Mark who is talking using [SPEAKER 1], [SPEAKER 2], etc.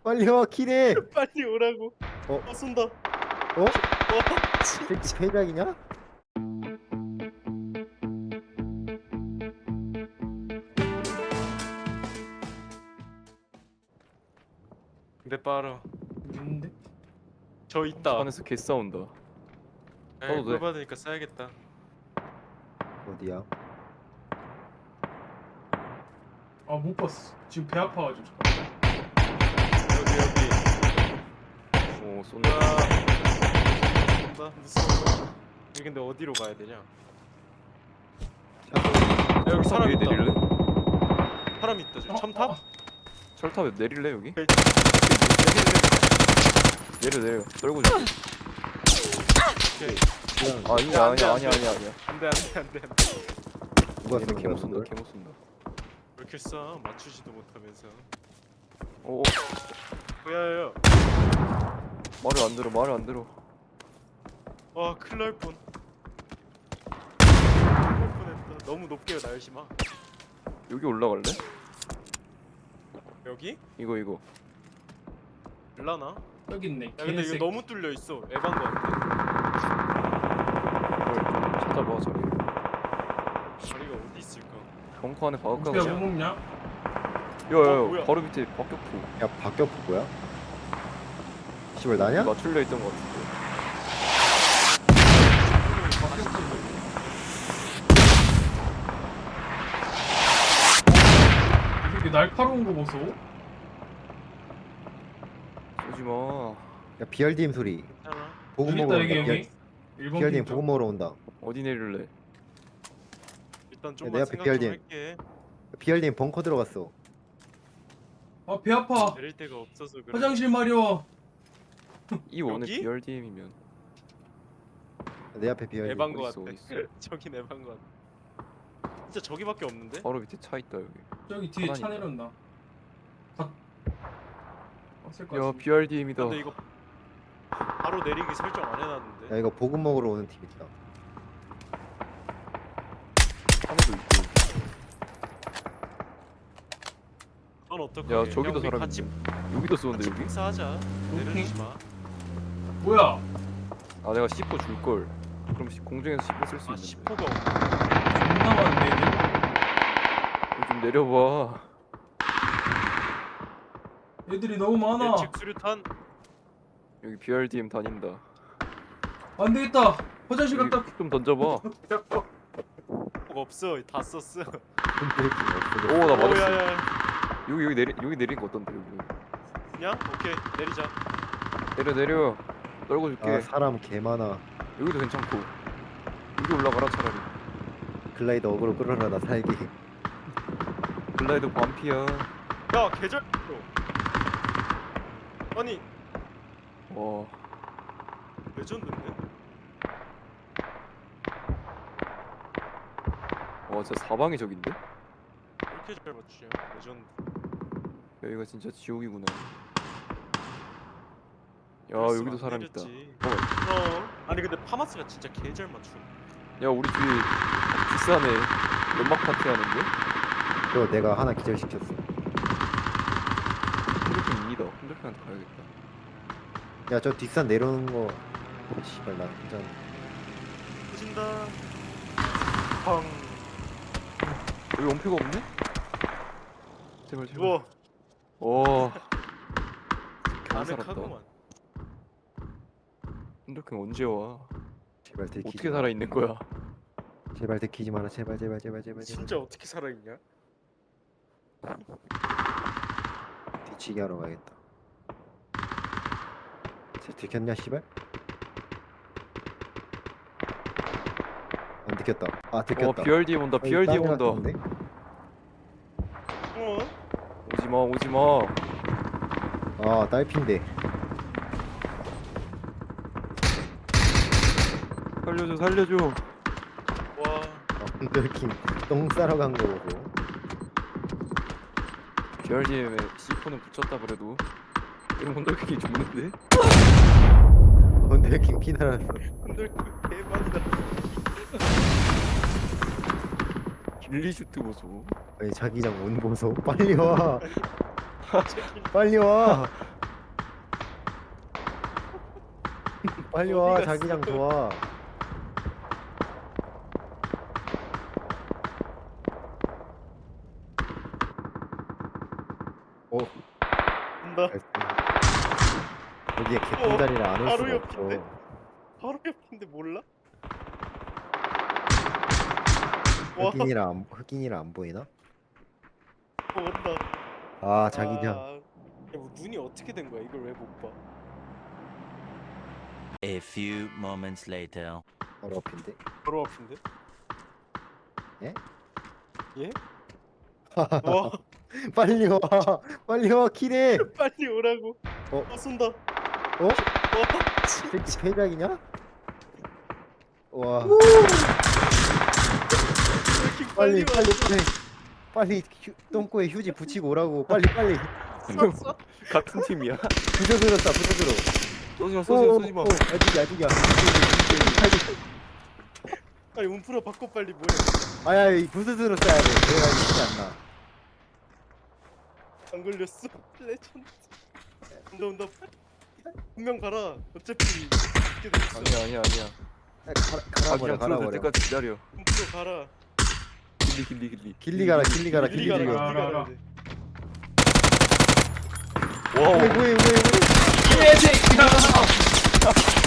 [SPEAKER 1] 빨리 와 키네.
[SPEAKER 2] 빨리 오라고.
[SPEAKER 1] 어?
[SPEAKER 2] 쏜다.
[SPEAKER 1] 어?
[SPEAKER 2] 와,
[SPEAKER 1] 새끼 패작이냐?
[SPEAKER 2] 근데 빠르.
[SPEAKER 3] 있는데?
[SPEAKER 2] 저 있다.
[SPEAKER 4] 안에서 개 싸운다.
[SPEAKER 2] 에이,
[SPEAKER 4] 써도 돼.
[SPEAKER 2] 물 받으니까 써야겠다.
[SPEAKER 1] 어디야?
[SPEAKER 3] 아 못 봤어. 지금 배 아파가지고 잠깐.
[SPEAKER 2] 여기.
[SPEAKER 4] 오 쏜다.
[SPEAKER 2] 쏜다. 무서워. 여기 근데 어디로 가야 되냐? 야, 여기
[SPEAKER 4] 철탑
[SPEAKER 2] 사람
[SPEAKER 4] 위에
[SPEAKER 2] 있다.
[SPEAKER 4] 내릴래?
[SPEAKER 2] 사람 있다. 지금 첨탑?
[SPEAKER 4] 철탑에 내릴래 여기?
[SPEAKER 2] 오케이.
[SPEAKER 4] 내려 떨고 줘.
[SPEAKER 2] 오케이.
[SPEAKER 4] 아 이거
[SPEAKER 2] 안 돼,
[SPEAKER 4] 아니야
[SPEAKER 2] 안 돼.
[SPEAKER 4] 아니야.
[SPEAKER 2] 안돼 안돼 안돼.
[SPEAKER 1] 누가
[SPEAKER 4] 얘는
[SPEAKER 1] 쏜
[SPEAKER 4] 개못
[SPEAKER 1] 거야,
[SPEAKER 4] 쏜다
[SPEAKER 1] 그걸?
[SPEAKER 4] 개못 쏜다.
[SPEAKER 2] 왜 이렇게 싸? 맞추지도 못하면서.
[SPEAKER 4] 오
[SPEAKER 2] 뭐야요?
[SPEAKER 4] 말을 안 들어.
[SPEAKER 2] 와, 큰일 날 뻔. 큰일 날 뻔했다. 너무 높게 날지 마.
[SPEAKER 4] 여기 올라갈래?
[SPEAKER 2] 여기?
[SPEAKER 4] 이거.
[SPEAKER 2] 일라나?
[SPEAKER 3] 여기 있네.
[SPEAKER 2] 야, 근데 이거
[SPEAKER 3] 개새끼.
[SPEAKER 2] 너무 뚫려 있어. 에반 거 같아.
[SPEAKER 4] 이걸 찾아봐 저기.
[SPEAKER 2] 자리가 어디 있을까?
[SPEAKER 4] 벙커 안에 박을까
[SPEAKER 3] 어떻게
[SPEAKER 4] 그냥?
[SPEAKER 3] 못 먹냐?
[SPEAKER 4] 야야야
[SPEAKER 2] 뭐야?
[SPEAKER 4] 바로 밑에 박격포.
[SPEAKER 1] 야 박격포 뭐야? 씨발 나냐?
[SPEAKER 4] 맞출려 있던 것 같은데.
[SPEAKER 3] 이렇게 날카로운 거 보소.
[SPEAKER 4] 쏘지 마.
[SPEAKER 1] 야 BRDM 소리.
[SPEAKER 2] 괜찮아.
[SPEAKER 1] 보급
[SPEAKER 3] 여기
[SPEAKER 1] 먹으러
[SPEAKER 3] 있다 여기
[SPEAKER 1] 온다.
[SPEAKER 3] 여기. 1번
[SPEAKER 1] BRDM
[SPEAKER 3] 핀
[SPEAKER 1] 보급 먹으러 온다.
[SPEAKER 4] 어디 내릴래?
[SPEAKER 2] 일단
[SPEAKER 1] 내
[SPEAKER 2] 좀만
[SPEAKER 1] 앞에
[SPEAKER 2] 생각 좀
[SPEAKER 1] BRDM.
[SPEAKER 2] 할게.
[SPEAKER 1] BRDM 벙커 들어갔어.
[SPEAKER 3] 아배 아파.
[SPEAKER 2] 내릴 데가 없어서 그래.
[SPEAKER 3] 화장실 마려.
[SPEAKER 4] 이 원에
[SPEAKER 2] 여기?
[SPEAKER 4] BRDM이면
[SPEAKER 1] 내 앞에 BRDM.
[SPEAKER 2] 에반 거
[SPEAKER 4] 어딨어,
[SPEAKER 2] 같아.
[SPEAKER 4] 어딨어.
[SPEAKER 2] 저긴 에반 거 같아. 진짜 저기밖에 없는데?
[SPEAKER 4] 바로 밑에 차 있다 여기.
[SPEAKER 3] 저기 뒤에 차
[SPEAKER 4] 하나니까.
[SPEAKER 3] 내렸나? 왔을 것
[SPEAKER 4] 야
[SPEAKER 3] 같은데.
[SPEAKER 4] BRDM이다.
[SPEAKER 2] 근데 이거 바로 내리기 설정 안 해놨는데.
[SPEAKER 1] 야 이거 보급 먹으러 오는 팀 있다.
[SPEAKER 4] 하나도 있고.
[SPEAKER 2] 넌 어떡해?
[SPEAKER 4] 야 저기도
[SPEAKER 2] 우리
[SPEAKER 4] 사람
[SPEAKER 2] 같이
[SPEAKER 4] 있네. 여기도 쏘는데 여기?
[SPEAKER 2] 복사하자. 내려주지 마.
[SPEAKER 3] 뭐야?
[SPEAKER 4] 아 내가 C4 줄 걸. 그럼 공중에서 C4 쓸 수
[SPEAKER 2] 아,
[SPEAKER 4] 있는데.
[SPEAKER 2] 10호가
[SPEAKER 3] 존나 많은데 얘들?
[SPEAKER 4] 이거 좀 내려봐.
[SPEAKER 3] 애들이 너무 많아.
[SPEAKER 2] 예측 수류탄.
[SPEAKER 4] 여기 BRDM 다닌다.
[SPEAKER 3] 안 되겠다. 화장실
[SPEAKER 4] 여기
[SPEAKER 3] 갔다.
[SPEAKER 4] 좀 던져봐.
[SPEAKER 2] 뭐가 없어. 다 썼어.
[SPEAKER 1] 근데
[SPEAKER 4] 오 나 맞았어.
[SPEAKER 2] 오야야.
[SPEAKER 4] 여기 내리는 거 어떤데 여기?
[SPEAKER 2] 그냥 오케이 내리자.
[SPEAKER 4] 내려. 떨고 줄게.
[SPEAKER 1] 아 사람 개 많아.
[SPEAKER 4] 여기도 괜찮고. 여기 올라가라 차라리.
[SPEAKER 1] 글라이더 어그로 끌어라 나 살기.
[SPEAKER 4] 글라이더 반피야.
[SPEAKER 2] 야 계절. 아니
[SPEAKER 4] 와.
[SPEAKER 2] 레전드인데?
[SPEAKER 4] 와 진짜 사방이 저긴데?
[SPEAKER 2] 왜 이렇게 잘 맞추냐? 레전드.
[SPEAKER 4] 여기가 진짜 지옥이구나. 야
[SPEAKER 2] 그랬으면
[SPEAKER 4] 여기도
[SPEAKER 2] 안
[SPEAKER 4] 사람 있다.
[SPEAKER 2] 내렸지.
[SPEAKER 4] 어.
[SPEAKER 2] 아니 근데 파마스가 진짜 개 잘 맞추.
[SPEAKER 4] 야 우리 뒤에 뒷산에 연막 파티 하는데?
[SPEAKER 1] 그거 내가 하나 기절시켰어.
[SPEAKER 4] 핸드폰 2다. 핸드폰한테 가야겠다.
[SPEAKER 1] 야 저 뒷산 내려오는 거. 씨발 나 진짜.
[SPEAKER 2] 터진다. 펑.
[SPEAKER 4] 여기 원패가 없네? 제발.
[SPEAKER 2] 우와.
[SPEAKER 4] 와. 겨우 살았다.
[SPEAKER 2] 아늑하구만.
[SPEAKER 4] 핸드폰 언제 와?
[SPEAKER 1] 제발 들키지.
[SPEAKER 4] 어떻게
[SPEAKER 1] 마.
[SPEAKER 4] 살아 있는 거야?
[SPEAKER 1] 제발 들키지 마라. 제발.
[SPEAKER 2] 진짜 어떻게 살아있냐?
[SPEAKER 1] 뒤치기 하러 가야겠다. 쟤 들켰냐 씨발? 안 들켰다. 아 들켰다.
[SPEAKER 4] BRDM 온다. BRDM 온다.
[SPEAKER 2] 어?
[SPEAKER 4] 오지 마.
[SPEAKER 1] 아 딸핀데.
[SPEAKER 4] 살려줘.
[SPEAKER 2] 와.
[SPEAKER 1] 언더킹 똥 싸러 간 거 보고.
[SPEAKER 4] BRDM에 C4는 붙였다 그래도. 이런 혼돌킥이 죽는데?
[SPEAKER 1] 언더킹 피 날았어.
[SPEAKER 2] 근데 대박이다.
[SPEAKER 4] 길리슈트 보소.
[SPEAKER 1] 아니 자기장 온 보소. 빨리 와. 빨리 와. 빨리
[SPEAKER 2] 어디
[SPEAKER 1] 와
[SPEAKER 2] 갔어?
[SPEAKER 1] 자기장 좋아. 오
[SPEAKER 2] 온다.
[SPEAKER 1] 여기에 개꿀다리라 안 올
[SPEAKER 2] 바로
[SPEAKER 1] 수가
[SPEAKER 2] 옆인데?
[SPEAKER 1] 없어.
[SPEAKER 2] 바로 옆인데 몰라? 와,
[SPEAKER 1] 흑인이라 안 보이나?
[SPEAKER 2] 온다.
[SPEAKER 1] 아 자기장.
[SPEAKER 2] 야, 뭐 눈이 어떻게 된 거야? 이걸 왜 못 봐?
[SPEAKER 5] A few moments later.
[SPEAKER 1] 바로 앞인데.
[SPEAKER 2] 바로 앞인데?
[SPEAKER 1] 예?
[SPEAKER 2] 예? 와,
[SPEAKER 1] 빨리 와 빨리 와 키래.
[SPEAKER 2] 빨리 오라고.
[SPEAKER 1] 어?
[SPEAKER 2] 쏜다.
[SPEAKER 1] 어?
[SPEAKER 2] 와,
[SPEAKER 1] 새끼
[SPEAKER 2] 진짜.
[SPEAKER 1] 패작이냐? 와
[SPEAKER 2] 왜 이렇게
[SPEAKER 1] 빨리
[SPEAKER 2] 빨리 와?
[SPEAKER 1] 빨리 똥꼬에 휴지 붙이고 오라고 빨리
[SPEAKER 2] 쐈어?
[SPEAKER 4] 같은 팀이야.
[SPEAKER 1] 부서들었다 부서들어.
[SPEAKER 4] 쏘지 마.
[SPEAKER 1] 아직이야
[SPEAKER 2] 아니 움프라 바꿔 빨리 뭐해?
[SPEAKER 1] 아야 이 부스스로 써야 돼. 내가 쉽지 않나.
[SPEAKER 2] 안 걸렸어? 레전드. 온다. 분명 가라. 어차피 죽게 돼 있어.
[SPEAKER 4] 아니야.
[SPEAKER 1] 갈아버려
[SPEAKER 4] 자기장 풀어줄 때까지 기다려.
[SPEAKER 2] 움프라 가라.
[SPEAKER 4] 길리.
[SPEAKER 1] 길리 가라 길리 가라.
[SPEAKER 2] 길리 가라.
[SPEAKER 3] 가라.
[SPEAKER 2] 길리 가라. 이제.
[SPEAKER 4] 와우.
[SPEAKER 1] 뭐해
[SPEAKER 3] 예, 제이야.